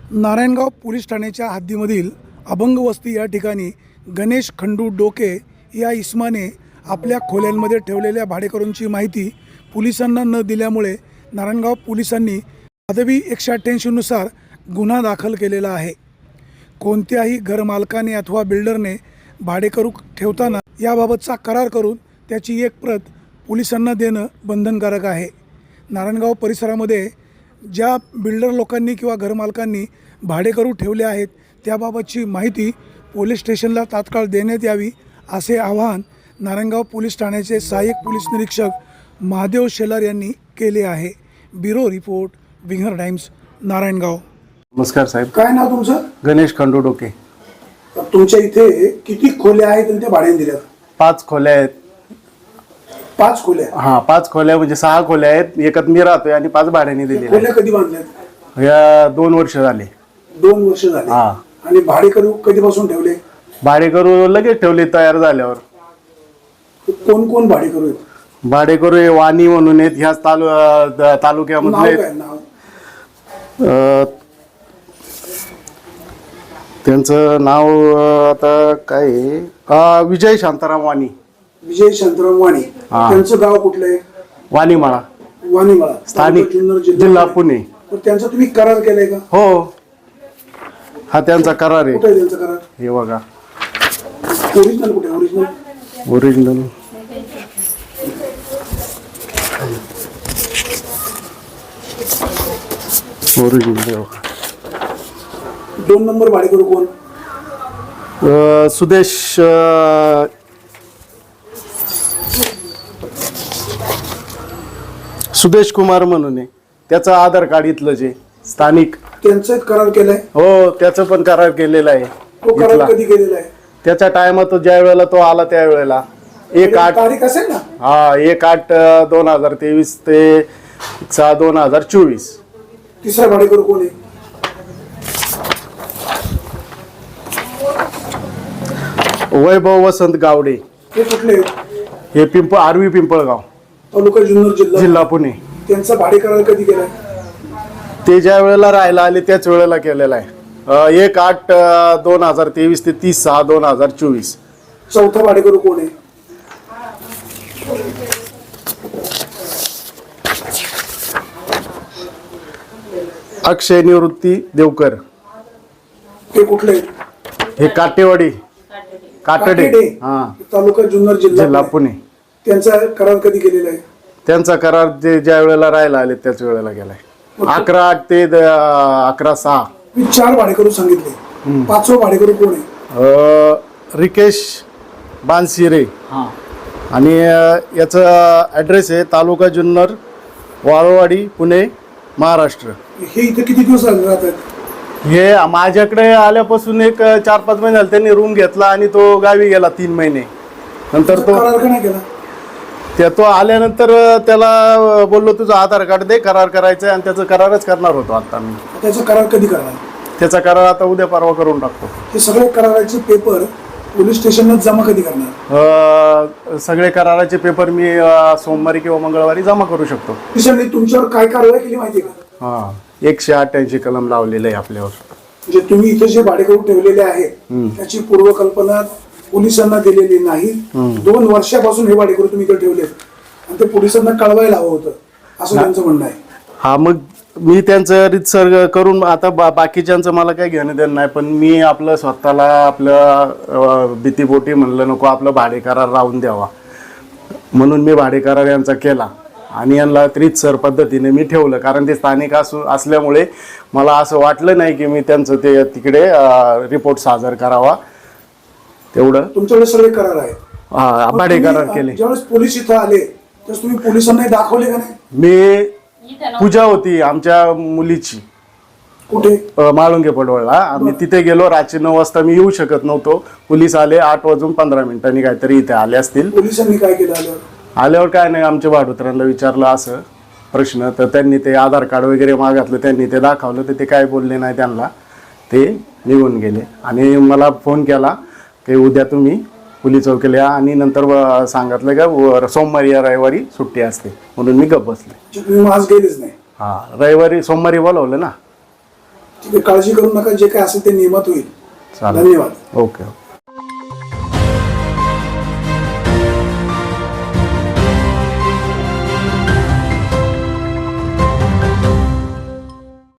Narayangaon police ठाण्याच्या हद्दीमधील अभंग वस्ती या ठिकाणी गणेश खंडू डोके या इसमाने आपल्या खोल्यांमध्ये ठेवलेल्या भाडेकरूंची माहिती पोलिसांना न दिल्यामुळे नारायणगाव पोलिसांनी पदवी 188 नुसार गुन्हा दाखल केलेला आहे। कोणत्याही घरमालकाने अथवा बिल्डरने भाडेकरू ठेवताना याबाबतचा करार करून त्याची एक प्रत पोलिसांना देणं बंधनकारक आहे। नारायणगाव परिसरामध्ये ज्या बिल्डर लोकांनी किंवा घरमालकांनी भाडेकरू ठेवले आहेत त्याबाबतची माहिती पोलीस स्टेशनला तात्काळ देण्यात यावी असे आवाहन नारायणगाव पोलीस ठाण्याचे सहाय्यक पोलीस निरीक्षक महादेव शेलार यांनी केले आहे। Bureau report Winger Times Narayangaon. नमस्कार साहेब, काय नाव तुमचं? गणेश खंडू डोके। तुमच्या इथे किती खोल्या आहेत आणि त्या भाड्याने दिल्यात? 5 खोल्या आहेत। 5 खोल्या? हां, 5 खोल्या म्हणजे 6 खोल्या आहेत, एकात मी राहतोय आणि 5 भाड्याने दिलेल्या। खोल्या कधी बांधल्यात? या 2 वर्ष झाले। 2 वर्ष झाले? हां। आणि भाडेकरू कधीपासून ठेवले? भाडेकरू लगेच ठेवले तयार झाल्यावर। कोण कोण भाडेकरू आहेत? भाडेकरू हे वाणी म्हणून आहेत, ह्याच तालुक्यामधले। नाव काय नाव? त्यांचं नाव आता काय आहे? विजय शांताराम वाणी। विजय शांताराम वाणी। त्यांचं गाव कुठलं आहे? वाणीमाळा। वाणीमाळा, स्थानिक जिल्हा पुणे। त्यांचा तुम्ही करार केलाय का? हो, हा त्यांचा करार आहे। कुठे आहे त्यांचा करार? हे बघा, ओरिजिनल कुठे? ओरिजिनल ओरिजिनल 2 नंबर भाडेकरू कोण? सुदेश कुमार म्हणून आहे, त्याचं आधार कार्ड इथलं जे स्थानिक। त्यांचा करार केलाय? हो, त्याचं पण करार केलेला आहे। तो करार कधी केलेला आहे? त्याच्या टायमात ज्या वेळेला तो आला त्यावेळेला 1/8 तारीख असेल ना? हा, 1/8/2023 ते 6/2024। तिसरा भाडेकरू कोण आहे? वैभव वसंत गावडे। हे कुठले? हे आरवी पिंपळगाव, तालुका जुन्नर, जिल्हा पुणे। त्यांचा भाडेकरार कधी केलाय? ते ज्या वेळेला राहायला आले त्याच वेळेला केलेला आहे। 1/8/2023 ते 30/6/2024। चौथा भाडेकरू कोण आहे? अक्षय निवृत्ती देवकर। हे कुठले? हे काटेवाडी, काटडे, हा, तालुका जुन्नर, जिल्हा पुणे। त्यांचा करार कधी केलेला आहे? त्यांचा करार जे ज्या वेळेला राहायला आले त्याच वेळेला गेलाय। 11/8 ते 11/6। मी 4 भाडेकरू सांगितले, 5वा भाडेकरू कोण आहे? रिकेश बानसिरे। आणि याचा ॲड्रेस आहे तालुका जुन्नर, वाळवाडी, पुणे, महाराष्ट्र। हे इथे किती दिवस राहतात? हे माझ्याकडे आल्यापासून एक 4-5 महिने झाले। त्यांनी रूम घेतला आणि तो गावी गेला 3 महिने नंतर। तो करार का नाही केला? तो आल्यानंतर त्याला बोललो तुझं आधार कार्ड दे, करार करायचं आणि त्याचं करारच करणार होतो आता मी। त्याचा करार कधी करणार? त्याचा करार आता उद्या परवा करून टाकतो। हे सगळे कराराचे पेपर पोलीस स्टेशनला जमा कधी करणार? सगळे कराराचे पेपर मी सोमवारी किंवा मंगळवारी जमा करू शकतो। पोलिसांनी तुमच्यावर काय कारवाई केली माहिती का? हा, 188 कलम लावलेलं आहे आपल्यावर। म्हणजे तुम्ही इथे जे भाडेकरू ठेवलेले आहेत त्याची पूर्वकल्पना पोलिसांना दिलेली नाही। 2 वर्षापासून हे भाडेकरू तुम्ही इथे ठेवले आणि ते पोलिसांना कळवायला हवं होतं असं त्यांचं म्हणणं आहे। हा, मग मी त्यांचं रितसर करून आता बाकीच्यांचं मला काही घेणं देणं नाही, पण मी आपलं स्वतःला आपलं भीतीपोटी म्हणलं नको आपलं भाडेकरार राहून द्यावा म्हणून मी भाडेकरार यांचा केला आणि यांना रितसर पद्धतीने मी ठेवलं। कारण ते स्थानिक असल्यामुळे मला असं वाटलं नाही की मी त्यांचं ते तिकडे रिपोर्ट सादर करावा। तेवढं तुमच्याकडे सगळे करार आहेत? हा, भाडेकरार केले। ज्यावेळेस पोलीस इथं आले त्यावेळेस तुम्ही पोलिसांना दाखवले का नाही? मी पूजा होती आमच्या मुलीची, कुठे? माळुंगे पडवळला। आम्ही तिथे गेलो, रात्री 9 वाजता मी येऊ शकत नव्हतो। पोलीस आले 8:15 काहीतरी इथे आले असतील। पोलिसांनी काय केलं आल्यावर? काय नाही, आमच्या भाडुत्रांना विचारलं असं प्रश्न, तर त्यांनी ते आधार कार्ड वगैरे मागितलं, त्यांनी ते दाखवलं, तर ते काय बोलले नाही त्यांना, ते निघून गेले। आणि मला फोन केला की उद्या तुम्ही पोलीस चौकीला या आणि नंतर सांगितलं का सोमवारी या रविवारी सुट्टी असते म्हणून मी गप्प बसले। आज गेलेच नाही? हां, रविवारी सोमवारी बोलवलं ना। ठीक आहे, काळजी करू नका, जे काय असेल ते नियमात होईल. चालेल. धन्यवाद. ओके.